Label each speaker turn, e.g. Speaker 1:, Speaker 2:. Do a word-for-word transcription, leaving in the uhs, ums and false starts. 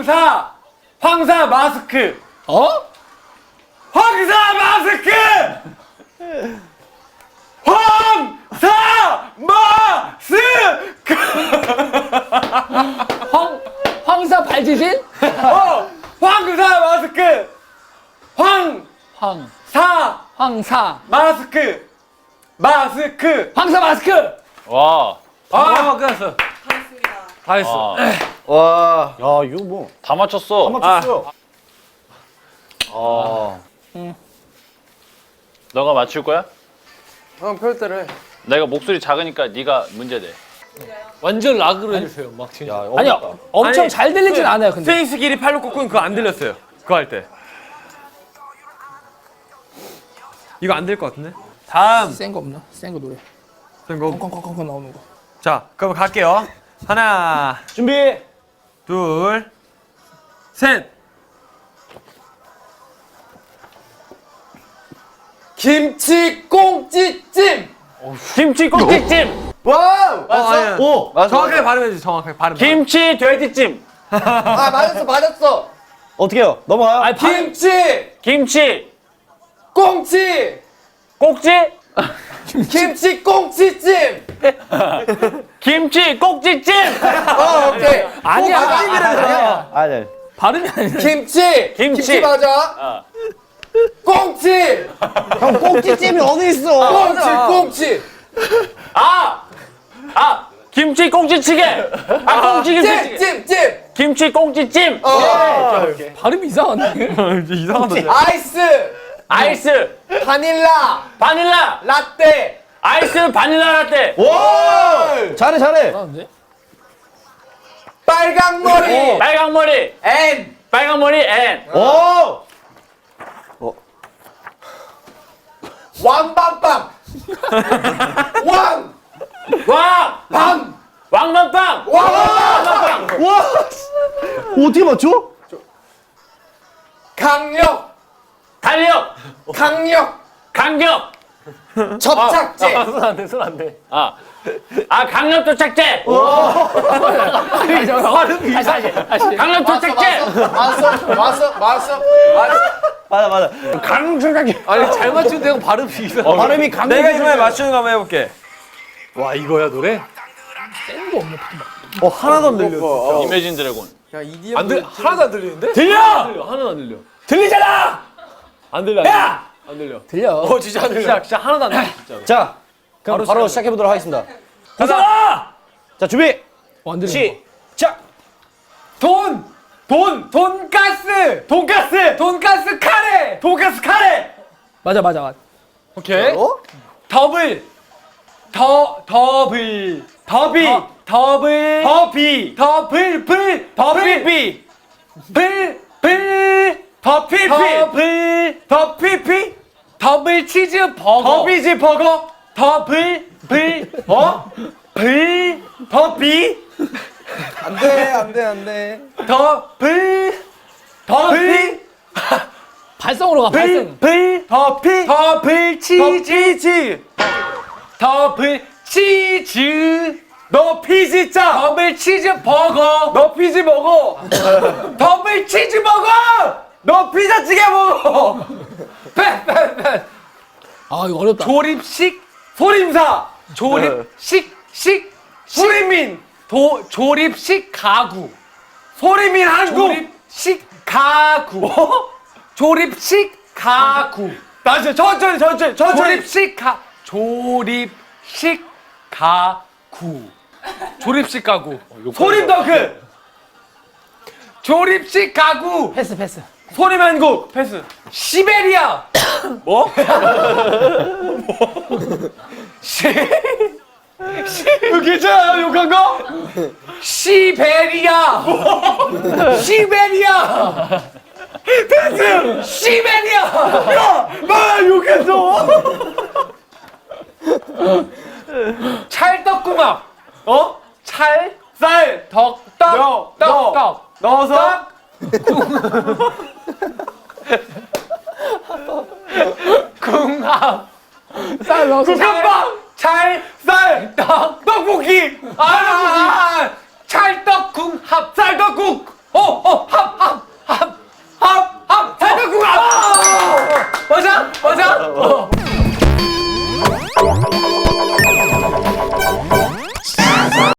Speaker 1: 황사 황사 마스크.
Speaker 2: 어?
Speaker 1: 황사 마스크. 황사 마스크.
Speaker 2: 황 황사 발지진?
Speaker 1: 어 황사 마스크. 황사
Speaker 2: 황 황사
Speaker 1: 마스크. 마스크.
Speaker 2: 황사 마스크.
Speaker 3: 와.
Speaker 1: 아 끝났어. 다 했어.
Speaker 4: 와. 야, 이거 뭐.
Speaker 3: 다 맞췄어.
Speaker 4: 다 맞췄어요.
Speaker 3: 아. 응. 너가 맞출 거야?
Speaker 1: 형 별대로 해.
Speaker 3: 내가 목소리 작으니까 네가 문제 돼.
Speaker 1: 완전 락으로 해주세요. 막 진짜.
Speaker 4: 야,
Speaker 2: 아니요
Speaker 4: 어렵다.
Speaker 2: 엄청
Speaker 1: 아니,
Speaker 2: 잘 들리진
Speaker 1: 그,
Speaker 2: 않아요. 근데
Speaker 1: 스페이스 길이 팔로 꽂고는 그거 안 들렸어요. 그거 할 때. 이거 안 될 것 같은데? 다음.
Speaker 2: 센 거 없나? 센 거 노래.
Speaker 1: 이거.
Speaker 2: 콩콩콩콩 나오는 거.
Speaker 1: 자, 그럼 갈게요. 하나,
Speaker 4: 준비.
Speaker 1: 둘, 셋. 김치 꽁찌찜.
Speaker 3: 김치 꼭지찜.
Speaker 4: 와우.
Speaker 1: 맞았어.
Speaker 4: 오. 맞아.
Speaker 1: 정확하게 발음해 주세요. 정확하게 발음.
Speaker 3: 김치 돼지찜.
Speaker 4: 아, 맞았어, 맞았어. 어떻게 해요? 넘어가요?
Speaker 2: 아
Speaker 1: 김치
Speaker 3: 김치
Speaker 1: 꽁치.
Speaker 3: 꼭지.
Speaker 1: 김치 꽁찌찜.
Speaker 3: 김치 꼭지찜.
Speaker 1: 어, 오케이.
Speaker 2: 아니야.
Speaker 1: 아니야.
Speaker 4: 아, 네.
Speaker 2: 발음이 아니라.
Speaker 1: 김치.
Speaker 3: 김치.
Speaker 1: 맞아.
Speaker 3: 어.
Speaker 1: 꽁치.
Speaker 4: 형, 꼭지찜이 어디 있어?
Speaker 1: 꽁치 꽁치.
Speaker 3: 아. 아. 김치 꼭지찌개. 아 꽁치 김치찌개.
Speaker 1: 찜찜찜.
Speaker 3: 김치 꼭지찜.
Speaker 1: 어.
Speaker 2: 발음이 이상한데.
Speaker 1: 이상하다. 아이스.
Speaker 3: 아이스.
Speaker 1: 바닐라.
Speaker 3: 바닐라.
Speaker 1: 라떼.
Speaker 3: 아이스 바닐라 라떼.
Speaker 4: 오! 잘해, 잘해.
Speaker 2: 이상한데?
Speaker 1: 빨강 머리.
Speaker 3: 빨강 머리.
Speaker 1: 앤.
Speaker 3: 빨강 머리 앤.
Speaker 4: 오!
Speaker 1: 왕밤빵. 왕.
Speaker 3: 왕.
Speaker 1: 밤.
Speaker 3: 왕만빵.
Speaker 1: 왕.
Speaker 4: 와! 어떻게 맞춰?
Speaker 1: 강력.
Speaker 3: 달력.
Speaker 1: 강력.
Speaker 3: 강력.
Speaker 1: 접착제.
Speaker 3: 손 안 돼, 손 안 돼. 아. 아, 강력 도착제.
Speaker 2: 발음이 다시 다시.
Speaker 3: 강력 도착제.
Speaker 1: 왔어. 왔어. 왔어. 왔어.
Speaker 4: 맞아, 맞아.
Speaker 3: 강력 도착제.
Speaker 1: 아니 잘 맞추는데 형 발음이 이상해.
Speaker 4: 발음이 강.
Speaker 1: 내가 이번에 맞추는 거 한번 해볼게.
Speaker 2: 와 이거야 노래? 센 거 없네.
Speaker 4: 어, 하나도 안 들려.
Speaker 3: 이매진 드래곤.
Speaker 1: 야 이디언 안 들. 하나도 안 들리는데?
Speaker 3: 들려!
Speaker 1: 하나도 안 들려.
Speaker 3: 들리잖아!
Speaker 1: 안 들려.
Speaker 3: 야!
Speaker 1: 안 들려.
Speaker 2: 들려.
Speaker 1: 어 진짜 안 들려. 진짜, 진짜 하나도 안 들려. 진짜로.
Speaker 4: 자, 그럼 바로,
Speaker 1: 바로
Speaker 4: 시작해 보도록 하겠습니다.
Speaker 3: 가자!
Speaker 4: 자, 준비.
Speaker 2: 완전.
Speaker 4: 시작.
Speaker 1: 돈! 돈! 돈가스! 돈가스! 돈가스 카레! 돈가스 카레!
Speaker 2: 맞아 맞아 맞아.
Speaker 1: 오케이.
Speaker 4: 어?
Speaker 1: 더블! 더, 더블! 더비! 더블! 더비! 더블! 불! 더블비! 불! 불! 더피피! 더블! 더피피! 더블 치즈 버거! 더비지 버거! 더블! 불! 어? 불! 더비!
Speaker 4: 안 돼, 안 돼, 안 돼.
Speaker 1: 더블! 더비!
Speaker 2: 발성으로 가
Speaker 1: 불!
Speaker 2: 발성.
Speaker 1: 불! 더피! 더블 치즈! 더블 치즈! 너 피지짜! 더블 치즈 버거! 너 피지 먹어! 더블 치즈 먹어! 너 피자찌개 먹어! 빼! 빼! 빼!
Speaker 2: 아 이거 어렵다.
Speaker 1: 조립식 소림사! 조립식 식 소리민! 도 조립식 가구! 소리민 한국! 조립식 가구! 어? 조립식 가구! 다시 천천히 천천히 천천히! 조립식 가 조립식 가구! 조립식 가구! 소림덩크! 조립식 가구!
Speaker 2: 패스 패스.
Speaker 1: 소림한국! 패스! 시베리아! 뭐? 뭐? 시... 시... 괜찮아요 욕한 거? 시베리아! 시베리아! 패스! 시베리아! 야! 나 욕했어! 찰떡궁합! 어? 찰? 쌀! 덕! 떡! 떡! 떡! 넣어서? 궁합!
Speaker 2: 쌀 넣어서.
Speaker 1: 국밥빵! 찰! 쌀! 떡! 떡볶이! 아! 찰떡궁합! 쌀떡국! 어! 어! 합! 어,